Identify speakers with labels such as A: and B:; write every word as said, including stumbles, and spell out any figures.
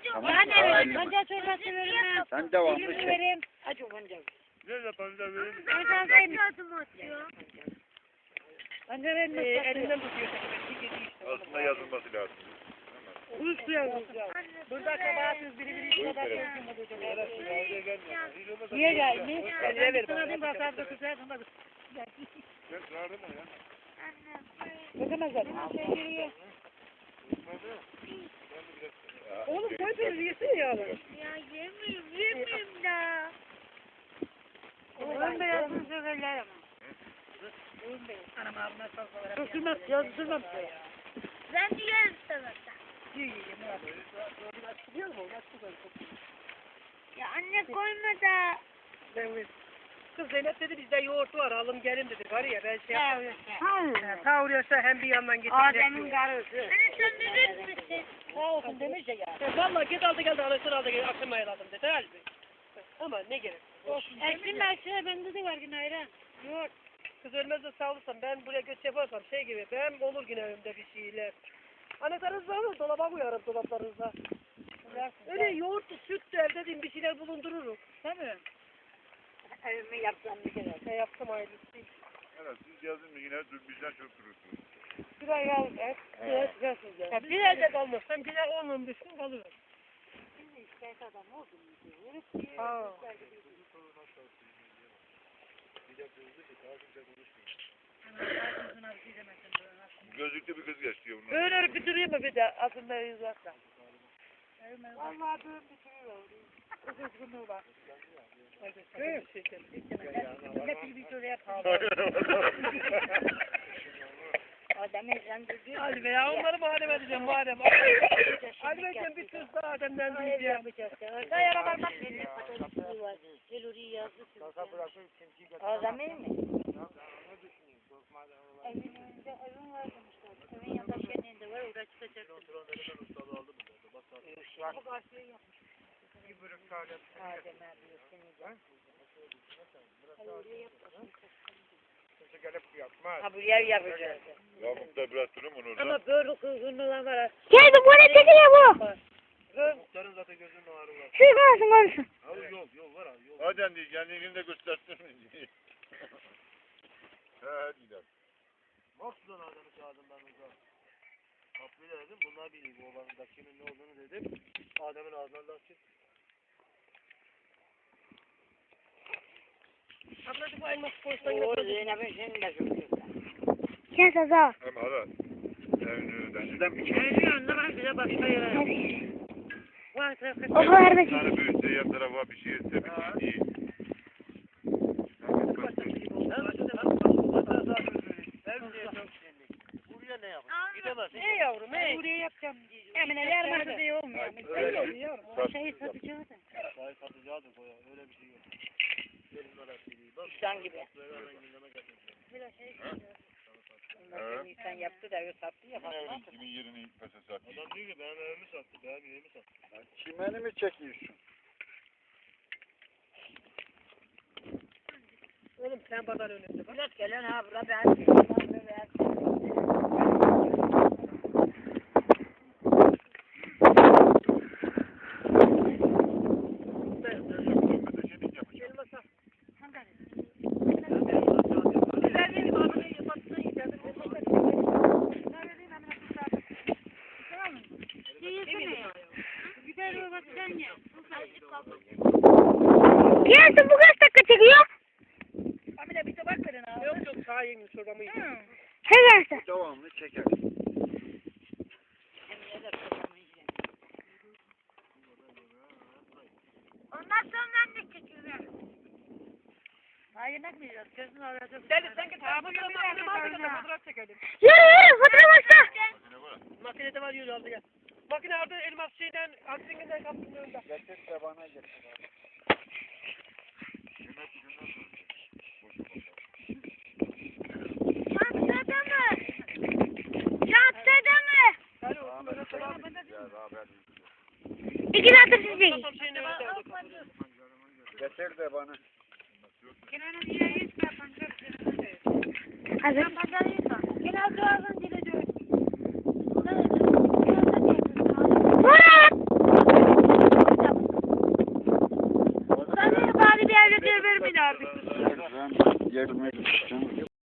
A: Yani pancar çorbası veririm.
B: Sen devamlı
A: Dilimi
B: çek.
A: veririm. Acı pancar.
C: Nerede pancar verin?
A: Pancar verin. Pancar verin.
C: Elinden tutuyor. Aslında yazılması lazım.
A: Üstü yazılır.
C: Burada kabahatsiz biri biri kadar
B: verin.
A: Niye gelmiş? Ben bir sınavım basardı kızardım.
C: Sen çağırdın mı ya?
A: Bakamazlar. Oğlum koy bir yesin ya.
D: Ya yemiyorum, yemiyorum da.
A: Oğlum beyazını severler ama. Anam abime salsalar. Sürmez, yazı sürmem.
D: Ben de yerim salata. Ya anne koyma da.
C: Kız Zeynep dedi bizde yoğurt var alın gelin dedi. Var ya ben şey yapayım.
A: Hayır.
C: Kavuruyorsa hem bir yandan getirecek.
A: Adem'in karısı.
D: Anne sen verir misin?
A: Sağ olsun demiş ya.
C: E, Valla git aldı geldi anasını aldı geldi akşam ayarladım dedi. Halbuki. Ama ne gerek.
A: Eksin mersiye bende de var yine ayran.
C: Yoğurt. Kız ölmez de sağ olursan ben buraya göç yaparsam şey gibi ben olur yine önümde bir şeyler. Anahtarınızı alın dolaba koyarım dolaplarınıza. Öyle yoğurt, süt de evde diyeyim bir şeyler bulundururum.
A: Değil mi? Evime yapsam bir kere.
C: Ne yaptım hayırlısı.
E: Evet, siz geldin mi yine bizden çok durursunuz.
C: Bir ay kalır. Evet. Evet. Evet. Ya bir ayda kalmazsam bir ay on on beş gün kalırım.
A: Şimdi şikayet adam oldu mu?
C: Ha.
E: Gözlüklü bir kız geçti onlar.
C: Böyle örüp bitireyim mi bir de aslında yüzlerden.
A: Vallahi böyle bitiriyor. Kız günü var.
C: Evet.
A: Hep bir şöyle yapalım. Adem ezlendirdi.
C: Hadi be ya onları madem edeceğim madem. Hadi be bir söz daha Adem'den duyacağım.
A: Kayara parmak verir. Teluri yazdı. Adem'in mi? Evin önünde evin var demişler. Evin yanında şenliğinde var. Orada çıkacaktım. Bu karşıya yapmış. Adem abi seni de. Ha bu yer yapacağız.
E: Ya muhtar biraz durun bunu orada.
A: Ama böyle kızgınlığı var.
D: Gel bu bana çekiyor bu.
C: Muhtarın zaten gözünün ağrı var.
D: Şu konuşun konuşun.
C: Abi yol yol var abi yol.
E: Hadi anne kendini de göstersin. He hadi gidelim.
C: Mahsudan adamı çağırdım ben orada. Kapıyı dedim bunlar biliyor bu olanın da kimin ne olduğunu dedim. Adem'in ağzından laf çıktı. Ablacık bu elmas koysan yine.
A: O Zeynep'in senin de çok güzel.
D: Gel Saza.
E: Hem hala. Evin önünden.
B: Sizden bir
A: Evin yanında var bize başka yere. Var
D: O kadar da
E: Bir tane büyütse yan tarafa bir şey etse bir şey değil.
C: Buraya ne yapalım? Gidemez.
A: Ey yavrum ey. Buraya yapacağım diyeceğim. Emine yarmadı diye olmuyor.
E: Hayır,
A: Yavrum. Şeyi satacağız da.
C: Çay satacağı da koya. Öyle bir şey yok. Gelin arası değil. Bak.
A: İnsan gibi.
C: Böyle gündeme getirdim.
A: Biraz şey
E: Evet.
A: insan yaptı da öyle sattı ya.
E: Evin kimin yerini pese satayım.
C: Adam diyor ki benim evimi sattı. Benim evimi sattı.
B: çimeni mi çekiyorsun?
C: Oğlum sen pazar önünde. Bak.
A: Biraz gelen ha bura ben.
C: Elmasa.
D: Gel bu kaç dakika çekiyor?
A: Amine bir tabak verin abi.
C: Yok yok sağ yemin çorbamı yedim.
D: Çekerse.
B: Devamlı çeker.
D: Ondan sonra ne çekiyor?
A: Ha yemek mi yiyeceğiz? Gözünü arayacağız.
C: Deli sen git. Ha bu bir makinede fotoğraf çekelim.
D: Yürü yürü fotoğraf başla.
C: Makinede var yürü aldı gel. Makine orada elmas şeyden aksinden kapının önünde.
B: Getir de bana getir.
D: Çantada mı? Çantada mı?
C: Hadi olsun böyle selam.
D: İki satır sizi.
C: Tam şeyin önünde.
B: Getir de bana.
A: Kenan'ın yine hiç ben pancar
D: Hazır.
A: Ben pancar yiyeceğim. Kenan doğalın dili diyor.
D: Murat!
C: çağırdık.
B: Ben yerime gideceğim.